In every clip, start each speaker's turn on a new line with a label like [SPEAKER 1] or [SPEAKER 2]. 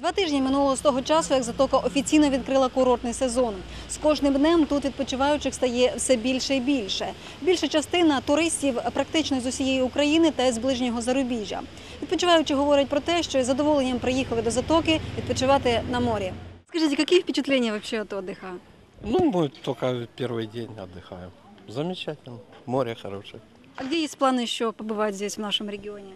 [SPEAKER 1] 2 тижні минуло з того часу, як Затока офіційно відкрила курортний сезон. З кожним днем тут відпочиваючих стає все більше і більше. Більша частина туристів практично з усієї України та з ближнього зарубіжжя. Відпочиваючі говорять про те, що із задоволенням приїхали до Затоки відпочивати на морі. Скажіть, які впечатлення вообще от отдыха?
[SPEAKER 2] Ну, мы только первый день отдыхаем. Замечательно. Море хорошее.
[SPEAKER 1] А где есть планы еще побывать здесь, в нашем регионе?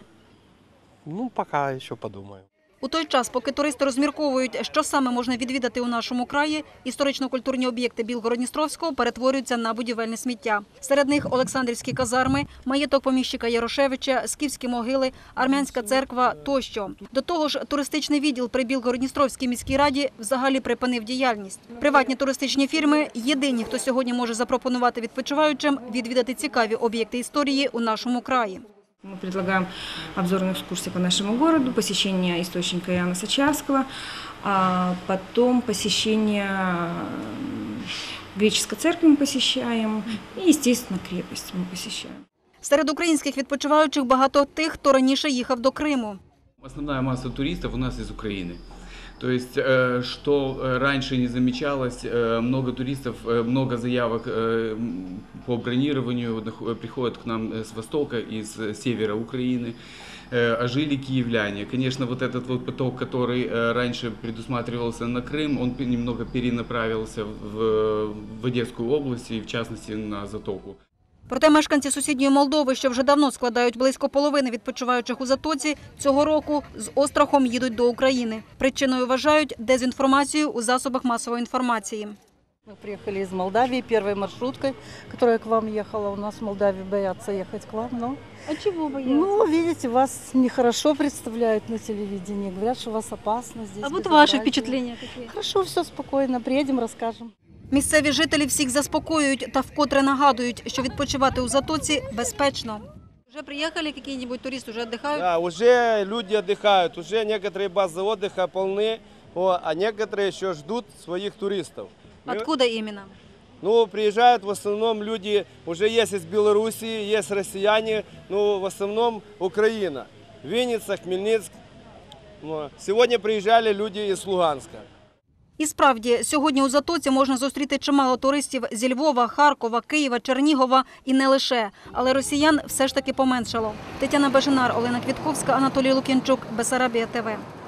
[SPEAKER 2] Ну, пока еще подумаю.
[SPEAKER 1] У той час, поки туристи розмірковують, що саме можна відвідати у нашому краї, історично-культурні об'єкти Білгород-Дністровського перетворюються на будівельне сміття. Серед них Олександрівські казарми, маєток поміщика Ярошевича, скіфські могили, армянська церква тощо. До того ж, туристичний відділ при Білгород-Дністровській міській раді взагалі припинив діяльність. Приватні туристичні фірми – єдині, хто сьогодні може запропонувати відпочиваючим відвідати цікаві об'єкти історії у нашому краї.
[SPEAKER 3] Мы предлагаем обзорные экскурсии по нашему городу, посещение источника Иоанна Сочарского, а потом посещение греческой церкви мы посещаем и, естественно, крепость мы посещаем.
[SPEAKER 1] Серед українських відпочиваючих багато тих, хто раніше їхав до Криму.
[SPEAKER 4] Основная масса туристов у нас из Украины. То есть, что раньше не замечалось, много туристов, много заявок по бронированию приходят к нам с востока, из севера Украины, а жили киевляне. Конечно, вот этот вот поток, который раньше предусматривался на Крым, он немного перенаправился в Одесскую область и в частности на Затоку.
[SPEAKER 1] Проте мешканці сусідньої Молдови, що вже давно складають близько половини відпочиваючих у Затоці, цього року з острахом їдуть до України. Причиною вважають дезінформацію у засобах масової інформації.
[SPEAKER 5] Мы приехали из Молдавии первой маршруткой, которая к вам ехала. У нас в Молдавии боятся ехать к вам, но...
[SPEAKER 1] А чого бояться?
[SPEAKER 5] Ну, видите, вас нехорошо представляют на телевидении. Говорят, что вас опасно здесь.
[SPEAKER 1] А вот ваши впечатления какие?
[SPEAKER 5] Хорошо, все спокойно. Приедем, расскажем.
[SPEAKER 1] Місцеві жителі всіх заспокоюють та вкотре нагадують, що відпочивати у Затоці безпечно. Вже приїхали якісь туристи, вже відпочивають?
[SPEAKER 6] Да, уже люди отдыхают, уже некоторые базы отдыха полны, а некоторые еще ждут своих туристов.
[SPEAKER 1] Откуда именно?
[SPEAKER 6] Ну, приезжают в основном люди, уже есть из Белоруссии, есть россияне, но в основном Украина. Винница, Хмельницк. Сегодня приезжали люди из Луганска.
[SPEAKER 1] І справді, сьогодні у Затоці можна зустріти чимало туристів зі Львова, Харкова, Києва, Чернігова і не лише. Але росіян все ж таки поменшало. Тетяна Беженар, Олена Квітковська, Анатолій Лук'янчук, Бессарабія ТВ.